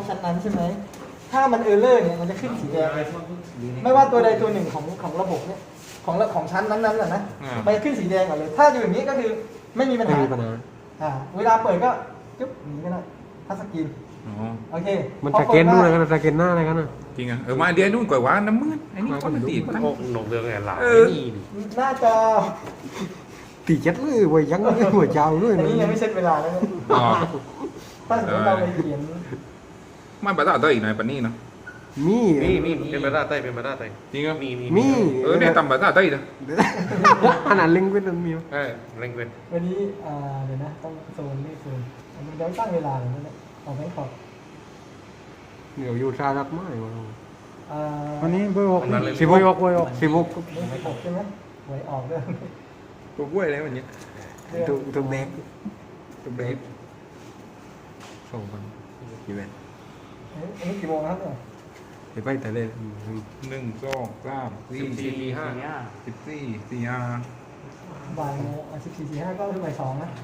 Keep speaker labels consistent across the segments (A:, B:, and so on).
A: ชั้นนั้นใช่ไหมถ้ามันเออร์เลอร์เนี่ยมันจะขึ้นสีแดงเลยไม่ว่าตัวใดตัวหนึ่งของระบบเนี่ยของชั้นนั้นๆนะมันจะขึ้นสีแดงก่อนเลยถ้าอยู่อย่างนี้ก็คือไม่มีปัญหาเวลาเปิดก็จุ๊บนี้ก็ได้ทัชสกรีนโอเค
B: มันสแกนนู่นอะไรกันสแกนหน้าอะไรกันน่ะ
C: จริงอ่ะมาเดียวนู่นก่อนว่าน้ำมืดไอ้นี่ก็มันตีมัน
D: โอ้หนกเรื่องไงหล่ะนี่
A: หน้าจอ
B: ตีเจ็ดเลยไว้ยังหัวเจ้าด้วย
A: อันนี้ยังไม่เซ็ตเวลาแล้วเนี่ยถ้าสมมติเราไปเขียน
C: ไม่ภาษาเตออีกหน่อยปะนี่เนาะ
B: มี
D: เป็นภาษาไต้เป็นภาษาไต้
C: จริงอ่ะ
D: มี
C: เนี่ยทำภาษาเตอนะ
B: ขนาดเล็งเป็นมี
D: เร่งเป็น
A: วันนี้เดี๋ยวนะต้องโซนนี่โซนมันจะตั้งเวลาเลยนะเอาไว้ขอบ
B: เดี๋ยวอยู่ชาดักไม้มา
E: วันนี้เบอร์หก
B: 16ไว้ออก
A: นี่16ใช่ไหมไว้ออกด้วย
C: ตัวกล้วยอะไรมันเนี้ย
B: ตัวแบกตัวแบกส่งกันกี่แบก
A: อันนี้กี่โมงครับเนี่ย
B: ไปไปแต่เล่น
C: 1 2 3 4
D: 14
C: 14 4
A: บ่ายโมง14:45ก็คือบ่าย2นะ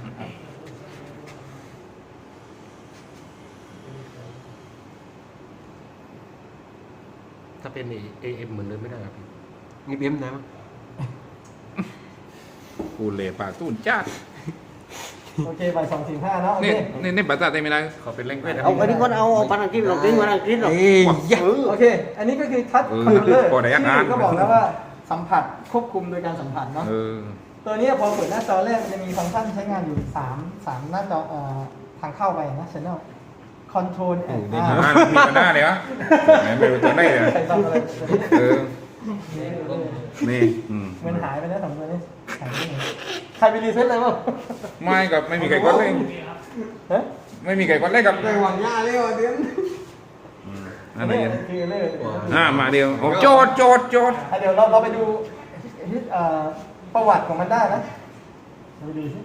D: ถ้าเป็นAM เหมือนเดิมไม่ได้ครับพี่
B: นี่เบี้ยมนะ
C: กูเล่ปากตู้จ้า
A: โอเคบ่าย2:45เนาะโอ
C: นี่
A: เค
C: นี่ภาษาไทยไม่ได้
D: ขอเป็นเร่งเป็น
E: เอาอันนี้ก็เอาภาษาอังกฤษเราดิ้งภาษาอังกฤษหรอ
A: โอเคอันนี้ก็คือทัชคอนโทรลเลอร์ที่ก็บอกแล้วว่าสัมผัสควบคุมโดยการสัมผัสเนาะตัวนี้พอเปิดหน้าจอแรกมันจะมีฟังก์ชันใช้งานอยู่3หน้าจอทางเข้าไปนะ channel control and
C: มีปัญหาเลยวะไม่รู้ตัวไหนเลย
A: ใครทำอะไร
C: นี่
A: มันหายไปแล้ว2ตัวนี้หายไปไหนใครไปรีเซ็ตอะไรบ้าง
C: ไม่กับไม่มีใครกดเลยไม่มีใครกดเลยกับ
B: ไปหวังย่าเลยว่ะเบี้ยม
C: อะไรอย่าง
A: คือเรื่อง
C: มาเดียวโอ้โจด
A: เดี๋ยวเราไปดูประวัติของมันได้นะเราไปดูสิ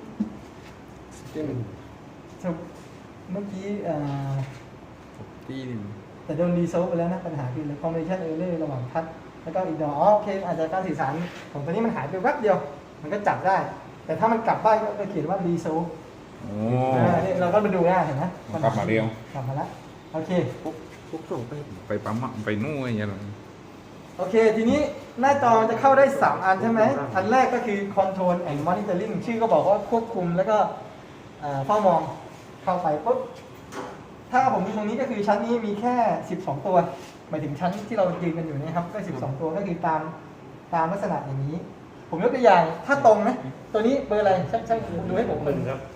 A: เมื่อกี้
B: ตีนี่
A: แต่โดนรีโซลไปแล้วนะปัญหาคือคอมมิวนิเคชันเออร์เลอร์ระหว่างทัชแล้วก็อีกดอโอเคอาจจะการสื่อสารของตัวนี้มันหายไปแวบเดียวมันก็จับได้ แต่ถ้ามันกลับบ้านก็เขียนว่ารีโซลนี่เราก็มาดูได้เห็นไหม
C: กลับมาเดียว
A: กลับมาแล้วโอเค
E: ปุ๊บส่งไป
C: ไปปั๊มไปนู่นอย่างเงี้ย
A: โอเคทีนี้หน้าจอมันจะเข้าได้3อันใช่ไหมอันแรกก็คือ Control and Monitoring ชื่อก็บอกว่าควบคุมแล้วก็เฝ้ามองเข้าไปปุ๊บถ้าผมมีตรงนี้ก็คือชั้นนี้มีแค่12ตัวหมายถึงชั้นที่เรายืนกันอยู่นะครับก็12ตัวก็คือตามลักษณะอย่างนี้ ผมยกตัวอย่างถ้าตรงนะตัวนี้เบอร์อะไรช่างดูให้ผม
D: 1ครับ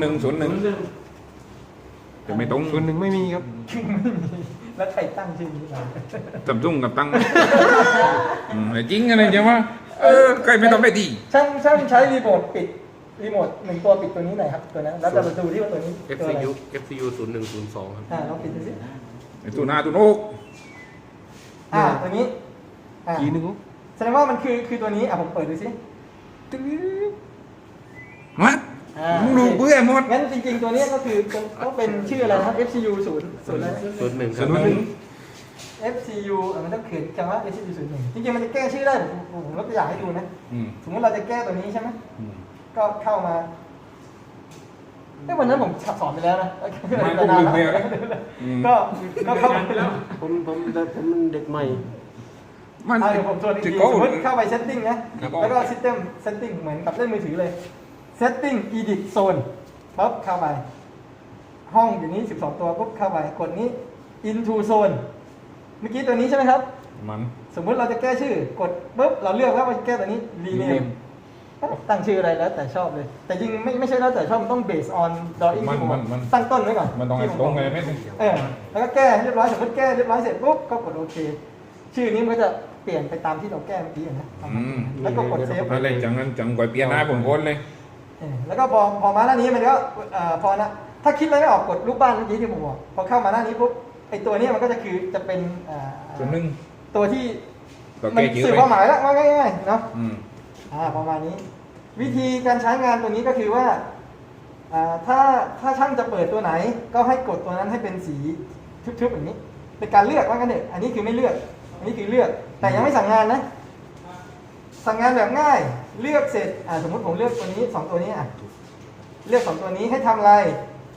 C: 01จะไม่ตรง
B: ส่วนหนึ่งไม่มีครับ
A: ไม่มีแล้วใครตั้งชื่อนี้มา
C: จำจุ้งกับตั้งจริงอะไรใช่ไหมใครไม่ต้องได้ดี
A: ช่างใช้รีโมทปิดรีโมท1ตัวปิดตัวนี้หน่อยครับตัวนั้นแล้วจะมาดูที่ว่าตัวนี้ตัวอะไร
D: FCU 0102ครับ
A: ลองปิดดูสิ
C: ตัวหน้าตัวโน้ก
A: ตัวนี้
B: ทีนึง
A: แสดงว่ามันคือตัวนี้ผมเปิดดูสิ
C: มัดมึงดูเบื่อหมด
A: งั้นจริงๆตัวนี้ก็คือต้องเป็นชื่ออะไรนะครับ FCU 0อะไร
D: 01ครับ
A: FCU มันต้องเขียนคำว่า FCU 01จริงๆมันจะแก้ชื่อได้ผมยกตัวอย่างให้ดูนะสมมติเราจะแก้ตัวนี้ใช่ไหมก็เข้ามาวันนั้นผมสอนไปแล้วนะก็เข้าไปแล้ว
E: ผมเด็กใหม่
C: มัน
A: เดี๋ยวผมทวนอีกทีสมมติเข้าไป setting นะแล้วก็ system setting เหมือนกับเล่นมือถือเลย setting edit zone ปุ๊บเข้าไปห้องอยู่นี้12ตัวปุ๊บเข้าไปกดนี้ into zone เมื่อกี้ตัวนี้ใช่ไหมครับ
C: มัน
A: สมมุติเราจะแก้ชื่อกดปุ๊บเราเลือกว่าจะแก้ตัวนี้ rename ตั้งชื่ออะไรแล้วแต่ชอบเลย แต่จริงไม่ใช่แล้วแต่ชอบมันต้อง based on drawing ที่ผมตั้งต้นไว้ก่อน
C: มันต้องให้ตรงเลยไม่ใช่
A: แล้วก็แก้ให้เรียบร้อยสมมติแก้เรียบร้อยเสร็จปุ๊บก็กดโอเคชื่อนี้มันก็จะเปลี่ยนไปตามที่เราแก้เมื่อกี้นะแล้วก็กดเซฟ
C: อะไรจังงั้นจังก่อยเปลี่ยนหน้าผมคนเลย
A: แล้วก็พอมาหน้านี้มันก็พอนะถ้าคิดอะไรไม่ออกกดรูปบ้านเมื่อกี้ที่ผมบอกพอเข้ามาหน้านี้ปุ๊บไอตัวนี้มันก็จะเป็น
C: ส่วนหนึ่ง
A: ตัวที่มันสื่อความหมายแล้วง่ายๆเนาะประมาณนี้วิธีการใช้งานตัวนี้ก็คือว่าถ้าช่างจะเปิดตัวไหนก็ให้กดตัวนั้นให้เป็นสีทึบๆอย่างนี้เป็นการเลือกว่ากันเถอะอันนี้คือไม่เลือกอันนี้คือเลือกแต่ยังไม่สั่งงานนะสั่งงานแบบง่ายเลือกเสร็จสมมติผมเลือกตัวนี้2ตัวนี้เลือก2ตัวนี้ให้ทำอะไร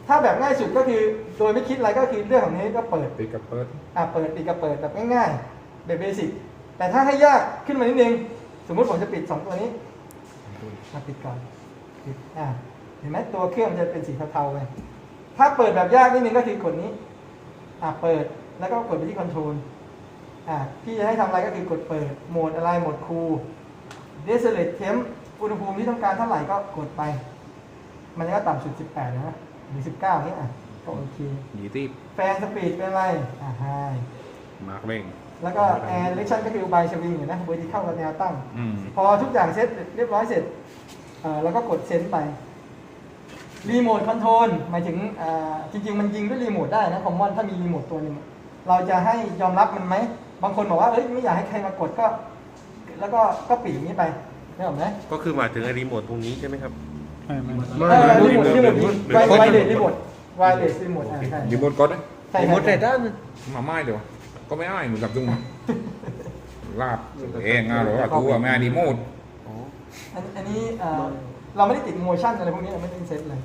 A: ถ้าแบบง่ายสุดก็คือโดยไม่คิดอะไรก็คือเรื่องของนี้ก็เปิด
C: ปิดกับเปิด
A: เปิดปิดกับเปิดแบบง่ายๆแบบเบสิกแต่ถ้าให้ยากขึ้นมานิดนึงสมมุติผมจะปิด2ตัวนี้ปิดก่อนปิดเห็นไหมตัวเครื่องมันจะเป็นสีเทาๆไปถ้าเปิดแบบยากนิดนึงก็คือกดนี้เปิดแล้วก็กดไปที่คอนโทรลพี่จะให้ทำอะไรก็คือกดเปิดโหมดอะไรโหมดคูลเดซเลตเทมอุณหภูมิที่ต้องการเท่าไหร่ก็กดไปมันก็ต่ำสุด18นะหรือ19นี่ก็โอเค
C: 20
A: แฟนสปีดเป็นอะไรไฮ
C: มาร์กเร่ง
A: แล้วก็แอร์เรคชั่นก็คือ by swing เห็นไหมเวอร์ติคัลกับแนวตั้ง
C: อืม
A: พอทุกอย่างเสร็จเรียบร้อยเสร็จแล้วก็กดเซนไปรีโมทคอนโทรลหมายถึงจริงๆมันยิงด้วยรีโมทได้นะคอมมอนถ้ามีรีโมทตัวหนึงเราจะให้ยอมรับมันไหมบางคนบอกว่าเอ้ยไม่อยากให้ใครมากดก็แล้วก็ปิดอย่างนี้ไปได้หรอไหม
D: ก็คือหมายถึงไอ้รีโมทตรงนี้ใช่ไหมครับ
A: รีโมทไวเลสรีโมทไวเลสรีโมทใช่
C: รีโมทกดนะ
A: ใช่
E: หมดเลยด้าน
C: มาไม่เดี๋ยวก็ไม่อ้ายเหมือนกับจุงลาบเองหรือว่าตัวไม่อ้ายรีโมท
A: อันนี้เราไม่ได้ติดโมชั่นอะไรพวกนี้เราไม่ได้เซตเลย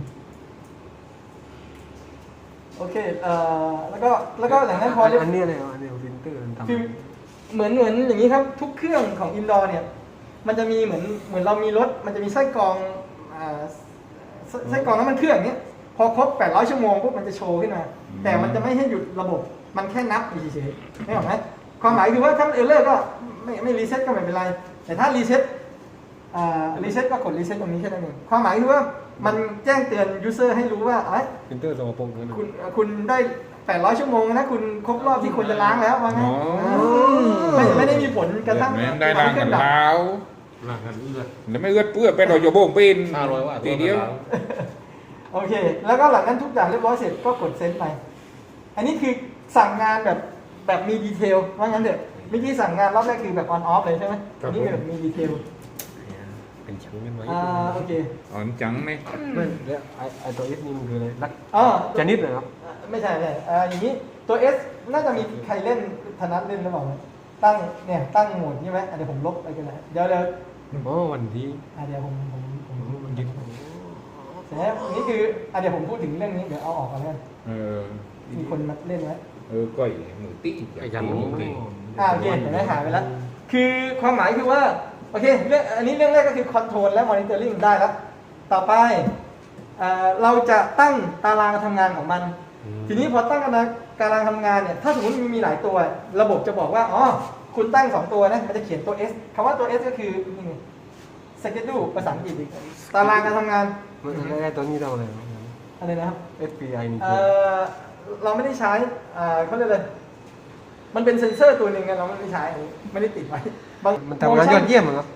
A: โอเคแล้วก็หลังนั้นพอเรียบ
E: อันนี้อะไรอันนี้ฟิลเตอร์ทำ
A: ฟิลเหมือนอย่างนี้ครับทุกเครื่องของอินดอร์เนี่ยมันจะมีเหมือนเรามีรถมันจะมีไส้กรองไส้กรองน้ำมันเครื่องเนี้ยพอครบ800ชั่วโมงปุ๊บมันจะโชว์ขึ้นมาแต่มันจะไม่ให้หยุดระบบมันแค่นับเฉยๆไม่หรอกไหมความหมายคือว่าถ้ามันเออร์เลอร์ก็ไม่รีเซ็ตก็ไม่เป็นไรแต่ถ้ารีเซ็ตก็กดรีเซ็ตตรงนี้แค่นั้นเองความหมายคือว่ามันแจ้งเตือนยูเซอร์ให้รู้ว่า
E: ฟิลเตอร์สกปรกนั่น
A: คุณได้800ชั่วโมงนะคุณครบรอบที่ควรจะล้างแล้วว่างั้นไม่ได้มีผลกระทั่ง
C: แม่ได้ล้างกันแล้ว
D: หลังกันเอื้อ
C: แล้วไม่เอื้อเปื้อเป็นเราโยโบงเป็น
D: 500 ว่า
C: ทีเดียว
A: โอเค แล้วก็หลังนั้นทุกอย่างเรียบร้อยเสร็จก็กดเซ็นไป อันนี้คือสั่งงานแบบมีดีเทลว่างั้นเถอะเมื่อกี้สั่งงานรอบแรกคือแบบออนออฟเลยใช่ไหมอันนี้แบบมีดีเทล
D: เป็นชั้นกันไว้
A: โอเค
C: อ่อนจังไหม
E: ไม่แล้วไอตัวเอสนี่มันคืออะไรรัก
A: อ๋อ
E: ชนิดเหรอครับ
A: ไม่ใช่อย่างนี้ตัว S น่าจะมีใครเล่นธนัทเล่นหรือเปล่าตั้งโหมดใช่ไหมเดี๋ยวผมลบไปกันเลยเดี๋ยว
E: อ๋อวันที่
A: เดี๋ยวผม
E: มันยึด
A: เสร็จแล้วนี่คือเดี๋ยวผมพูดถึงเรื่องนี้เดี๋ยวเอาออกก่อนแล้วกัน
C: เออ
A: มีคนมาเล่นไว้
C: ก้อยมือตีอยากกินมือตี
A: โอเคเห็นไหมหายไปแล้ว คือความหมายคือว่าโอเคอันนี้เรื่องแรกก็คือคอนโทรลและมอนิเตอร์ลิงได้แล้ว ต่อไปเราจะตั้งตารางทำงานของมัน ทีนี้พอตั้งตารางทำงานเนี่ยถ้าสมมติมีหลายตัว ระบบจะบอกว่าอ๋อคุณตั้ง2ตัวนะมันจะเขียนตัว S คำว่าตัว S ก็คือนี่ไง schedule ภาษาอังกฤษอีกตารางการทำงาน
E: มันไอตัวนี้ทำอะไร
A: อะไรนะครับ
E: SPI นี่
A: เราไม่ได้ใช้เขาเรียกเลยมันเป็นเซ็นเซอร์ตัวหนึ่งไงเราไม่ได้ใช้อันนี้ไม่ได้ติดไว้
E: มันทำงานยอดเยี่ยมเหรอ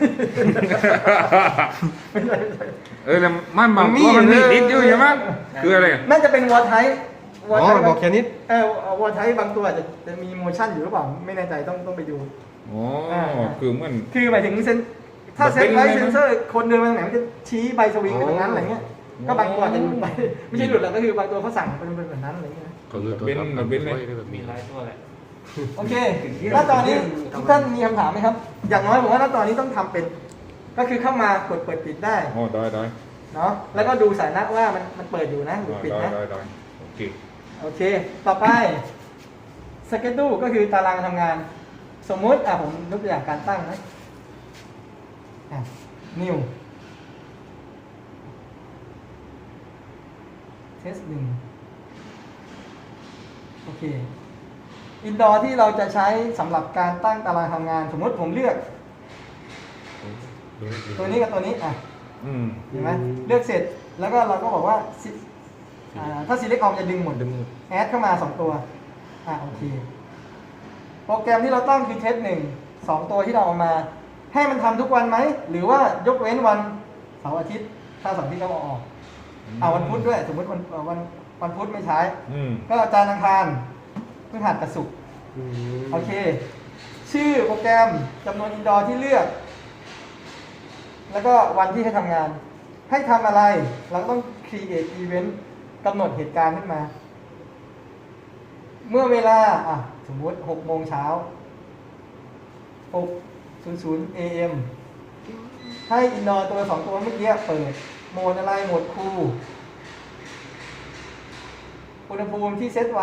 A: ไม่ใช่
C: แล้วมันบางตัวมันมีติดอยู่ใช่ไหมคืออะไร
A: น่าจะเป็นวอลไทป์
E: อ๋อบอกแค่นี้
A: วอลไทป์บางตัวอาจจะมีโมชั่นอยู่หรือเปล่าไม่แน่ใจต้องไปดู
C: อ๋อคือเหมือน
A: คือหมายถึงถ้าเซ็ตไว้เซนเซอร์คนเดินมาไหนมันจะชี้ใบสวิงไปตรงนั้นอะไรเงี้ยก็บางตัวอาจจะหลุดไปไม่ใช่หลุดหรอกก็คือบางตัวเขาสั่งเป็นแบบนั้นอะไรเงี้ย
D: ก็คือตัวรับแบบมีหลายตัวแหละ
A: โอเคหน้าจอนี้ทุกท่านมีคำถามไหมครับ อย่างน้อยผมว่าหน้าจอนี้ต้องทำเป็น ก็คือเข้ามากดเปิดปิดได้
C: อ๋อได้
A: เนาะแล้วก็ดูสถานะว่ามันเปิดอยู่นะหรือปิดนะ
C: ได้โอเค
A: โอเค ต่อไป schedule ก็คือตารางทำงาน สมมุติผมยกตัวอย่างการตั้งนะnew test 1โอเค indoor ที่เราจะใช้สำหรับการตั้งตารางทำงาน สมมติผมเลือกตัวนี้กับตัวนี้เห็นไหมเลือกเสร็จแล้วก็เราก็บอกว่าถ้า select all จะดึงหมด add เข้ามา2ตัวโอเคโปรแกรมที่เราตั้งคือ test 1 2ตัวที่เราเอามาให้มันทำทุกวันไหมหรือว่ายกเว้นวันเสาร์อาทิตย์ถ้าเสาร์อาทิตย์ก็เอาออกวันพุธด้วยสมมติวันพุธไม่ใช้ก็จันทร์อังคารพฤหัสกับศุกร์โอเคชื่อโปรแกรมจำนวนอินดอร์ที่เลือกแล้วก็วันที่ให้ทำงานให้ทำอะไรเราต้อง create event กำหนดเหตุการณ์ขึ้นมาเมื่อเวลาสมมติ6 โมงเช้า6:00 AM ให้อินดอร์ตัว2ตัวเมื่อกี้เปิดโหมดอะไรโหมดคูลอุณหภูมิที่เซตไว้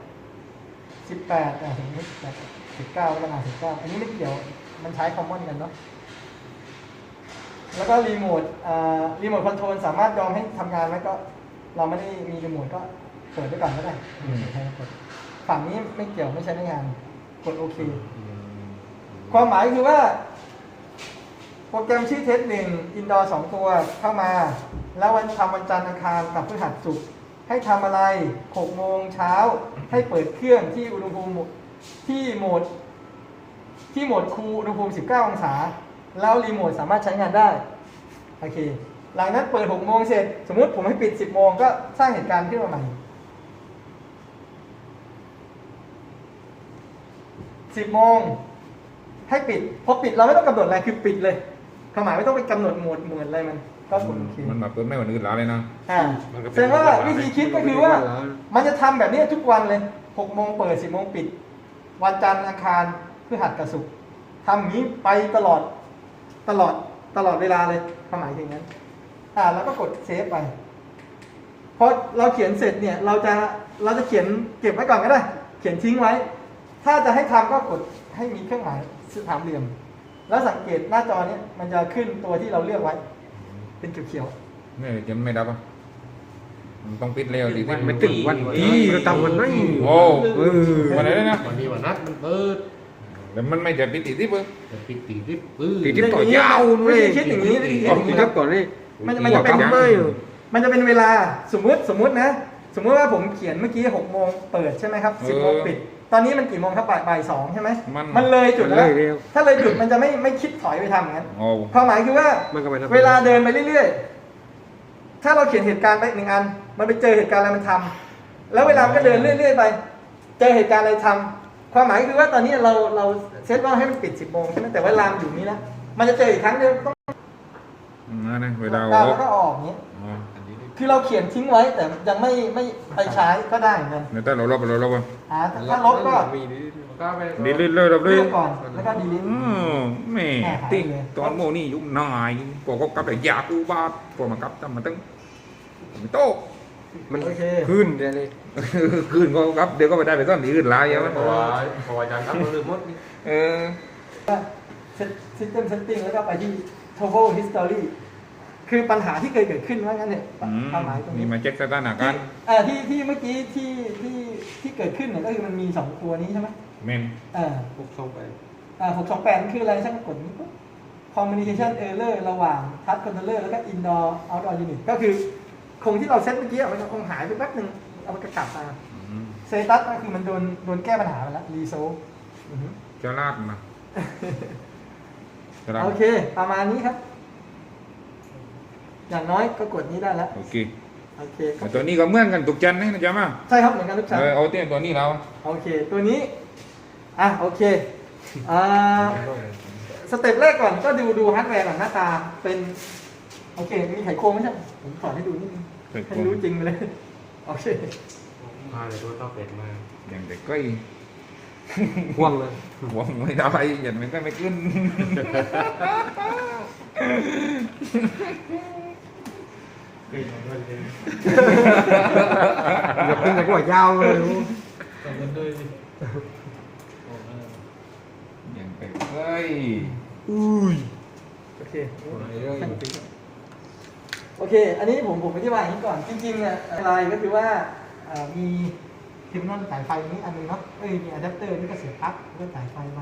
A: 18สมมติ19ก็มา19อันนี้ไม่เกี่ยวมันใช้คอมมอนกันเนาะแล้วก็รีโมทคอนโทรลสามารถยอมให้ทำงานไหมก็เราไม่ได้มีรีโมทก็เปิดไว้ก่อนก็ได้ฝั่งนี้ไม่เกี่ยวไม่ใช้ในงานกดโอเคความหมายคือว่าโปรแกรมชื่อเทส1อินดอร์2ตัวเข้ามาแล้ววันจันทร์อังคารกับพฤหัสศุกร์ให้ทำอะไร6โมงเช้าให้เปิดเครื่องที่อุณหภูมิที่โหมดคูลอุณหภูมิ19องศาแล้วรีโมทสามารถใช้งานได้โอเคหลังนั้นเปิด6โมงเสร็จสมมุติผมให้ปิด10โมงก็สร้างเหตุการณ์ขึ้นมาใหม่10โมงให้ปิดพอปิดเราไม่ต้องกำหนดอะไรคือปิดเลยความหมายไม่ต้องไปกำหนดโหมดเหมือนอะไรมันก็กดโอเค
C: มันแบบเปิดไม่วันอื่นแล้วเลยนะ
A: แสดงว่าวิธีคิดก็คือว่ามันจะทำแบบนี้ทุกวันเลย6โมงเปิด10โมงปิดวันจันทร์อังคารพฤหัสกับศุกร์ทำอย่างนี้ไปตลอดเวลาเลยความหมายอย่างนั้นแล้วก็กดเซฟไปพอเราเขียนเสร็จเนี่ยเราจะเขียนเก็บไว้ก่อนก็ได้เขียนทิ้งไว้ ถ้าจะให้ทำก็กดให้มีเครื่องหมายสามเหลี่ยมแล้วสังเกตหน้าจอเนี้ยมันจะขึ้นตัวที่เราเลือกไว้เป็นเขียว
C: นี่จะไม่ดับอ่ะมันต้องปิดเร็วดิ
E: มันไม่ถึงวันที่เราทำวันไหน
C: โอ้วันไหนนะ
D: วันนี้วันนัดมันเปิด
C: แล้วมันไม่จะปิดติดที่เพิ่ง
D: แต่ปิดตีที่ปื้อ
E: ตีที่ต่อยาว
A: ๆ
E: เล
A: วิ
E: ย
A: ธีคิดอย่างนี้วิธีคิดอย่าง
E: ตี
A: นี้
E: ทับก่อนเลย
A: มันจะเป็น
E: ไม่
A: มันจะเป็นเวลาสมมุตินะสมมุติว่าผมเขียนเมื่อกี้6โมงเปิดใช่ไหมครับ10โมงปิดตอนนี้มันกี่โมงครับบ่าย2ใช่ไหมมันเลยจุดแล้วถ้าเลยจุดมันจะไม่คิดถอยไปทำอย่างนั้น
C: โอ้
A: ความหมายคือว่า
E: มันก็ไปทำ
A: เวลาเดินไปเรื่อยๆถ้าเราเขียนเหตุการณ์ไป1อันมันไปเจอเหตุการณ์อะไรมันทำแล้วเวลามันก็เดินเรื่อยๆไปเจอเหตุการณ์อะไรทำความหมายคือว่าตอนนี้เราเซตว่าให้มันปิด10โมงใช่ไหมแต่เวลามันอยู่นี้แล้วมันจะเจออีกครั้งเดียวต้อง
C: นะเวลา
A: แล้วก็ออกอย่างนี้คือเราเขียนทิ้งไว้แต่ยังไม่ไปใช้ก็ได้เหมือนกัน
C: เดี๋ยวถ้าเราลบอ่ะ
A: ถ้าลบก็
C: ดีลิทเลยเราเล
A: เลื
C: ย
A: อกก่อนแล้วก็ดีลิท
C: แม่ติ๊งตอนโมนี่ยุ่งนายพวกเขากลับแต่ยากูบาดพวกมันกลับทำมาตั้งไม่โต
E: มัน
A: โอเค
E: ขึ้นเลย
C: คืนก็กลับเดี๋ยวก็ไปได้ไปต้นที่อื่นหลายอย่างมั้ย
D: เพราะว่าอาจารย์ครับเราลืมหมดนี่
A: System Setting แล้วก็ไปที่ Total History คือปัญหาที่เคยเกิดขึ้นว่างั้นเนี่ยความหมายตรงนี้
C: นี่มาเช็คสถานการณ์
A: ที่เมื่อกี้ที่เกิดขึ้นเนี่ยก็คือมันมี2ตัวนี้ใช่ไหม
C: เมน
A: 628คืออะไรช่างกดนี้ปุ๊บ Communication Error ระหว่าง Touch Controller แล้วก็ Indoor Outdoor Unit ก็คือคงที่เราเซตเมื่อกี้มันคงหายไปแป๊บนึงเอามันกลับมาเซตัสก็คือมันโดนแก้ปัญหาไปแล้ว Resolve
C: จะลาดมาจะลาด
A: โอเค ประมาณนี้ครับ อย่างน้อยก็กดนี้ได้แล้ว
C: โอเค
A: โอเค
C: ตัวนี้ก็เหมือนกันตุกจันนะจ๊ะมา
A: ใช่ครับเหมือนกันทุกชั้น
C: เอาเตี้ยตัวนี้เรา
A: โอเค ตัวนี้โอเคสเต็ปแรกก่อนก็ดูฮาร์ดแวร์ก่อนหน้าตาเป็นโอเคมีไขควงไหมครับผมสอนให้ดูนิดนึงให้รู้จริงไปเลยโอเค
D: มาเลยตัวต้องเป็ดมา
C: อย่างเด็กก็
E: ห่วงเลย
C: หวงไม่ได้อย่างมันก็ไม่ขึ้น
E: อย่าเป็นแต่ก็ยาวเลย
C: อย่างเด็กเฮ้ย
A: โอเคโอเค อันนี้ผมอธิบายอย่างนี้ก่อนจริงๆเนี่ยอะไรก็คือว่ามีเทอร์มินอลสายไฟนี้อันนึงเนาะมีอะแดปเตอร์นี่ก็เสียบปลั๊กแล้วก็สายไฟไป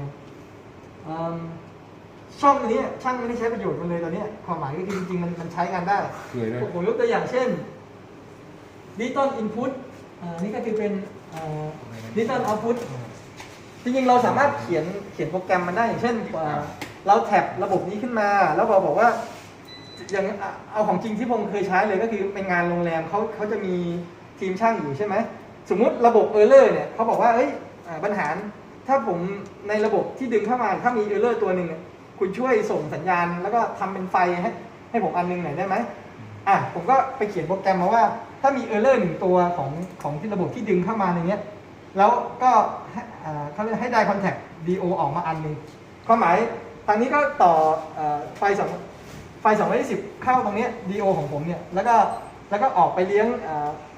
A: ช่องตัวนี้ช่างไม่ได้ใช้ประโยชน์มันเลยตอนนี้ความหมายก็คือจริงๆมันใช้งานได้
C: เคยเลย
A: ผมยกตัวอย่างเช่นดิจิตอลอินพุตนี่ก็คือเป็นดิจิตอลเอาท์พุตจริงๆเราสามารถเขียนโปรแกรมมันได้อย่างเช่นเราแท็บระบบนี้ขึ้นมาแล้วเราบอกว่าอย่างเอาของจริงที่ผมเคยใช้เลยก็คือเป็นงานโรงแรมเขาจะมีทีมช่างอยู่ใช่ไหมสมมุติระบบเออร์เลอร์เนี่ยเขาบอกว่าปัญหาถ้าผมในระบบที่ดึงเข้ามาถ้ามีเออร์เลอร์ตัวหนึ่งคุณช่วยส่งสัญญาณแล้วก็ทำเป็นไฟให้ผมอันนึงหน่อยได้ไหมผมก็ไปเขียนโปรแกรมมาว่าถ้ามีเออร์เลอร์1ตัวของที่ระบบที่ดึงเข้ามาในนี้แล้วก็เขาเรียกให้ได้คอนแทค DO ออกมาอันนึงความหมายทางนี้ก็ต่อไฟ220เข้าตรงนี้ DO ของผมเนี่ยแล้วก็ออกไปเลี้ยง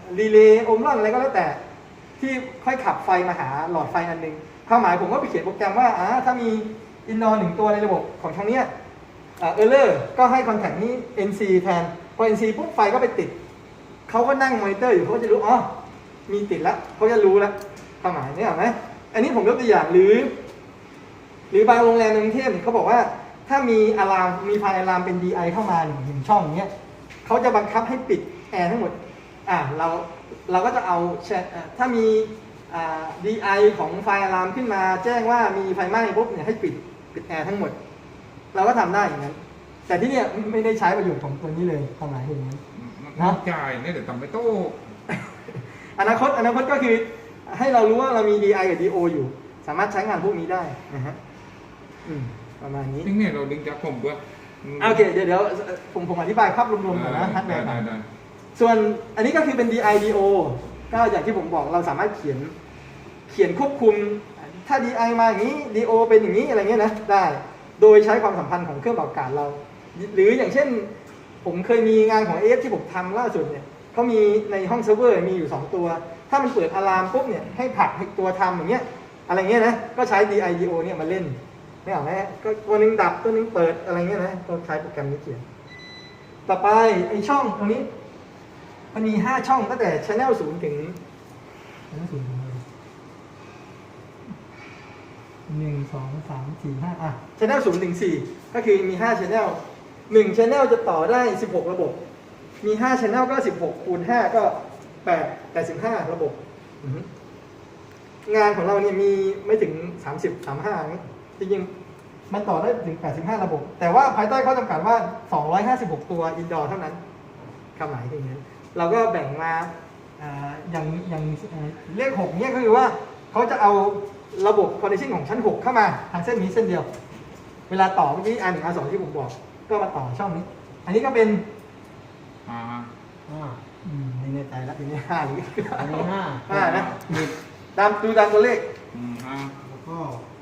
A: รีเลย์โอห์มลอนอะไรก็แล้วแต่ที่ค่อยขับไฟมาหาหลอดไฟอันหนึ่งความหมายผมก็ไปเขียนโปรแกรมว่าถ้ามีอินดอร์หนึ่งตัวในระบบของทางเนี้ยเออร์เลอร์ก็ให้คอนแทคนี้ NC แทนพอ NC ปุ๊บไฟก็ไปติดเขาก็นั่งมอนิเตอร์อยู่เขาก็จะรู้อ๋อมีติดแล้วเขาจะรู้แล้วความหมายนี่เห็นไหมอันนี้ผมยกตัวอย่างหรือบางโรงแรมในกรุงเทพเขาบอกว่าถ้ามีอะลามมีไฟอะลามเป็น DI เข้ามาหนึ่งช่องอย่างเงี้ยเขาจะบังคับให้ปิดแอร์ทั้งหมดเราก็จะเอาถ้ามีDI ของไฟอะลามขึ้นมาแจ้งว่ามีไฟไหม้ปุ๊บเนี่ยให้ปิดแอร์ทั้งหมดเราก็ทำได้อย่างนั้นแต่ที่เนี่ยไม่ได้ใช้ประโยชน์ของตัวนี้เลยความหมายอย่างนั้น
C: น้ำจ่ายเนี่ยเดี๋ยวทำไม่โต้
A: อนาคตก็คือให้เรารู้ว่าเรามี DI กับ DO อยู่สามารถใช้งานพวกนี้ได้นะฮะประมาณนี้
C: นี่เนี่ยเราดึงจากผมเพื่อ
A: โอเคเดี๋ยวผมอธิบายภาพรวมๆก่อนนะฮาร์ดแวร์ก่อน
C: ได้
A: ส่วนอันนี้ก็คือเป็น DI DO ก็อย่างที่ผมบอกเราสามารถเขียนควบคุมถ้า DI มาอย่างนี้ DO เป็นอย่างนี้อะไรเงี้ยนะได้โดยใช้ความสัมพันธ์ของเครื่องปรับอากาศเรา หรืออย่างเช่นผมเคยมีงานของ AF ที่ผมทำล่าสุดเนี่ยเขามีในห้องเซิร์ฟเวอร์มีอยู่2ตัวถ้ามันเปิดอะลามปุ๊บเนี่ยให้ผลักให้ตัวทำอย่างเงี้ยอะไรเงี้ยนะก็ใช้ DI DO เนี่ยมาเล่นไม่เอาไหมก็ตัวนึงดับตัวนึงเปิดอะไรเงี้ยนะก็ใช้โปรแกรมนี้เขียนต่อไปไอช่องตรงนี้มันมี5ช่องตั้งแต่ Channel 0 ถึง Channel 0 ถึง1 2 3 4 5Channel 0 ถึง 4ก็คือมี5 Channel 1 Channel จะต่อได้16ระบบมี5 Channel ก็16คูณ5ก็85ระบบงานของเราเนี่ยมีไม่ถึง30 35นี่จริงๆมันต่อได้ถึง85ระบบแต่ว่าภายใต้ข้อจำกัดว่า256ตัวอินดอร์เท่านั้นคำหมายคืออย่างนั้นเราก็แบ่งมาอย่างเลข6เนี่ยก็คือว่าเขาจะเอาระบบคอนเนคชั่นของชั้น6เข้ามาทางเส้นนี้เส้นเดียวเวลาต่อเมื่อกี้R1 R2ที่ผมบอกก็มาต่อช่องนี้อันนี้ก็เป็นไม่แน่ใจแล้วทีนี้5หรืออันนี้5นะดูตามตัวเลข
E: แล้วก็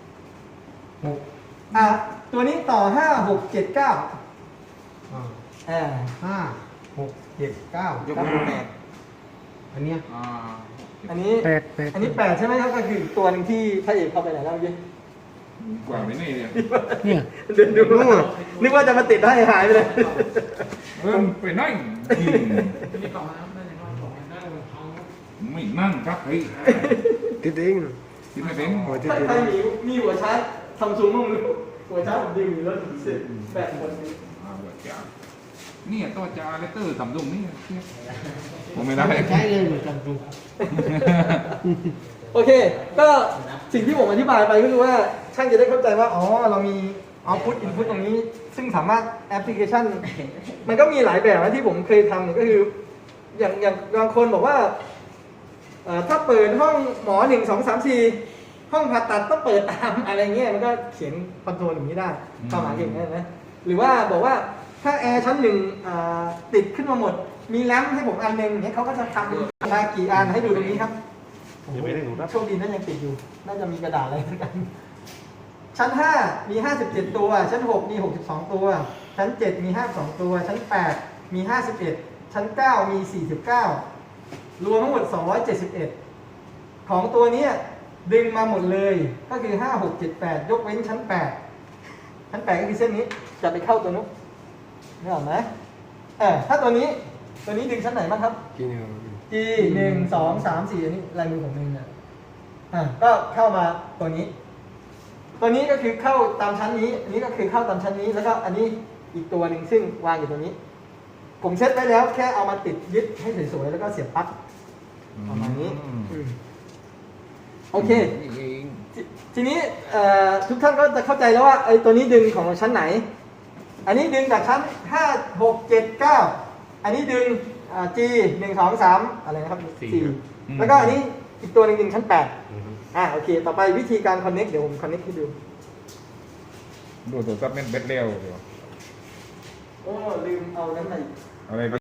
A: ตัวนี้ต่อ5 6 7 9
E: 5 6 7 9ยกมือ8อันเนี้ย
A: อันนี้8ใช่ไหมครับก็คือตัวหนึ่งที่พระเอกเข้าไปไหนแล้วเมื่อกี้
C: กว่าไม่นี่เนี่ย
A: เดินดูนึกว่าจะมาติดให้หายไปเลย
C: ไปนั่งไม่นั่งครับเฮ้ย
E: ติดเอง
C: ติดไม่เป็น
A: ถ้าใครมีหัวชาร์จซัมซุงมั่งหัวชาร์จผมดึงอยู่แล้วถึงเสร็จ8คน
C: หัวชาร์จนี่ต่อจาเลเตอร์ซัมซุงนี่ผมไม่ได้
E: ใช้เลยเหมือนกันดู
A: โอเคก็สิ่งที่ผมอธิบายไปก็คือว่าช่างจะได้เข้าใจว่าอ๋อเรามี output input ตรงนี้ซึ่งสามารถแอปพลิเคชันมันก็มีหลายแบบนะที่ผมเคยทำเนี่ยก็คืออย่างบางคนบอกว่าถ้าเปิดห้องหมอ1 2 3 4ห้องผ่าตัดต้องเปิดตามอะไรเงี้ยมันก็เขียนคอนโทรลอย่างนี้ได้ความหมายอย่างนี้นะหรือว่าบอกว่าถ้าแอร์ชั้น1ติดขึ้นมาหมดมีแรมให้ผมอันนึงเนี่ยเขาก็จะทำมากี่อันให้ดูตรงนี้ครับโชคดีนั่นยังติดอยู่น่าจะมีกระดาษอะไรกันชั้น5มี57ตัวชั้น6มี62ตัวชั้น7มี52ตัวชั้น8มี51ชั้น9มี49รวมทั้งหมด271ของตัวนี้ดึงมาหมดเลยก็คือ5 6 7 8ยกเว้นชั้น8ก็คือเส้นนี้จะไปเข้าตัวนู้นนึกออกไหมถ้าตัวนี้ดึงชั้นไหนบ้างครับ G 1 2 3 4อันนี้ลายมือผมเองนะก็เข้ามาตัวนี้ก็คือเข้าตามชั้นนี้อันนี้ก็คือเข้าตามชั้นนี้แล้วก็อันนี้อีกตัวหนึ่งซึ่งวางอยู่ตรงนี้ผมเซตไว้แล้วแค่เอามาติดยึดให้สวยๆแล้วก็เสียบปลั๊กประมาณนี้โอเคทีนี้ทุกท่านก็จะเข้าใจแล้วว่าไอ้ตัวนี้ดึงของชั้นไหนอันนี้ดึงจากชั้น5 6 7 9อันนี้ดึงG 1 2 3อะไรนะครับ4แล้วก็อันนี้อีกตัวหนึ่งชั้น8โอเคต่อไปวิธีการ connect เดี๋ยวผม connect ให้ดู
C: ตัวซับเม็ดเบ็ดเร็ว
A: โอ้ลืมเอานั้นไหน
C: อะไร